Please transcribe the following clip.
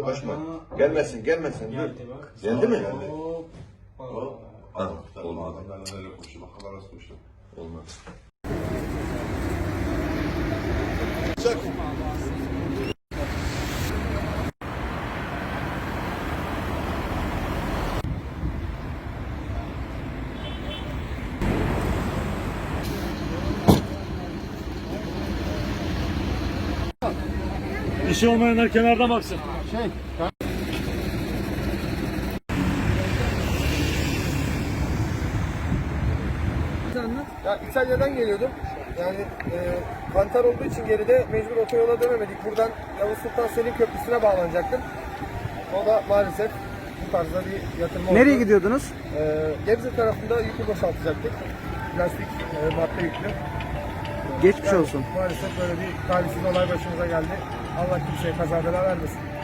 Yaklaşma. Gelmesin, gelmesin. Geldi bak. Geldi mi? Hop. Hop. Hop. Olmadı. Adamlar neler koştu, bakalım nasıl koştu. Olmaz. Çak. İşi olmayanlar kenarda baksın. Ya İtalya'dan geliyordum. Yani kantar olduğu için geride mecbur otoyola dönemedik. Buradan Yavuz Sultan Selim Köprüsü'ne bağlanacaktım. O da maalesef bu tarzda bir yatırma oldu. Nereye gidiyordunuz? Gebze tarafında yükü boşaltacaktık. Plastik madde yüklü. Geçmiş Yani olsun. Maalesef böyle bir talihsiz olay başımıza geldi. Allah kimseye kaza bela vermesin.